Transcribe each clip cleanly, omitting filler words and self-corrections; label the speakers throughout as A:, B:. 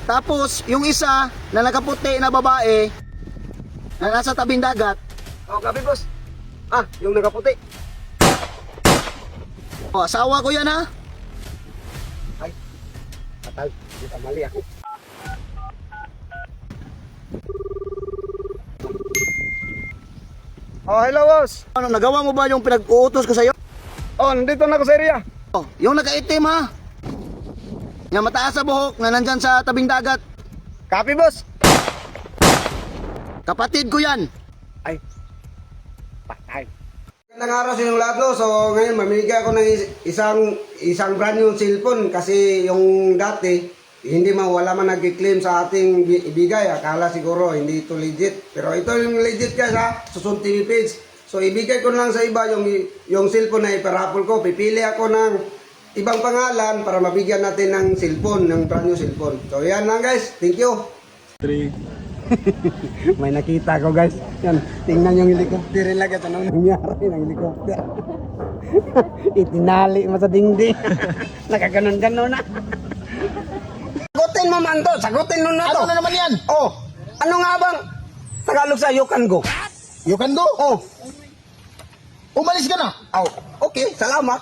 A: Tapos, yung isa na nakaputi na babae na nasa tabing dagat.
B: Oh, copy boss. Ah, yung nakaputi.
A: Oh, asawa ko yan ha.
B: Ay, patay. Hindi mali ako. Oh, hello boss.
A: Ano, nagawa mo ba yung pinag-uutos ko sa'yo?
B: Oh, nandito na ako sa area.
A: Oh, yung nakaitim ha. Yung mataas sa buhok na nandyan sa tabing dagat.
B: Copy boss.
A: Kapatid ko yan.
B: Ay, patay. Magandang araw sa inyong lahat, no? So ngayon mamimigay ako ng isang brand new cellphone kasi yung dati hindi wala man nag-claim sa ating ibigay. Akala siguro hindi ito legit. Pero ito yung legit guys ha, Susun TV page. So ibigay ko lang sa iba yung cellphone na iparapol ko. Pipili ako ng ibang pangalan para mabigyan natin ng cellphone, ng brand new cellphone. So yan lang guys, thank you. 3. May nakita ko guys. Yan, tingnan yung helicopter lang at anong nangyari ng helicopter. Itinali mo sa dingding. Nakaganon-ganon na. Sagutin mo man to, sagutin mo na to.
A: Ano na naman yan?
B: Oh, ano nga bang Tagalog sa you can go?
A: You can do?
B: Oh,
A: Umalis ka na.
B: oh, okay, salamat.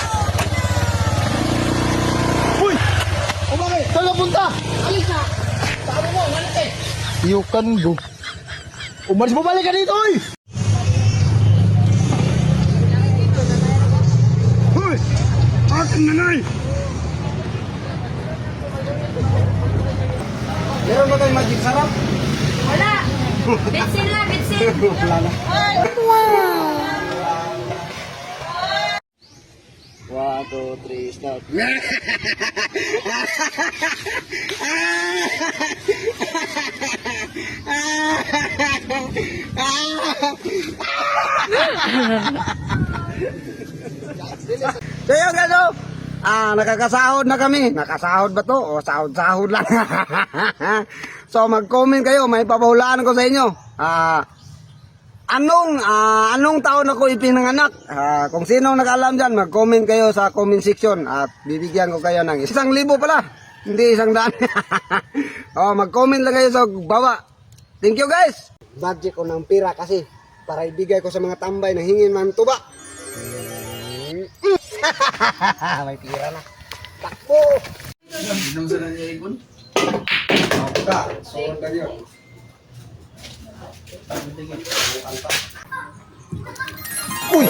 A: Uy! Umangay! Saan ka punta? Alis na! Sabi mo, umalis eh! You can go. Umalis, bumalik ka dito eh!
B: Hoy! Ating nanay! Meron ba tayong magic sarap?
C: Wala. Bitsin lang, bitsin.
B: Wala na.
C: Wow.
A: 1, 2, 3, start.
B: So yun guys, oh. Nakakasahod na kami. Nakasahod ba to? O sahod-sahod lang. So mag-comment kayo, may papahulaan ko sa inyo. Anong taon ako ipinanganak? Kung sino nag-alam dyan, mag-comment kayo sa comment section at bibigyan ko kayo ng 1,000 pala, hindi 100. Mag-comment lang kayo sa baba. Thank you guys. Budget ko ng pira kasi para ibigay ko sa mga tambay na hingin man tuba. May pira na. Takbo!
A: Inom sa nangyay ikon?
B: Suot na yun. Uy!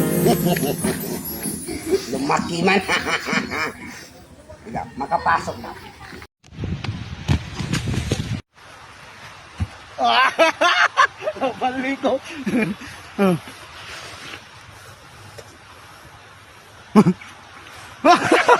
B: Lumaki man. Tiga, makapasok na.
A: Balik ko.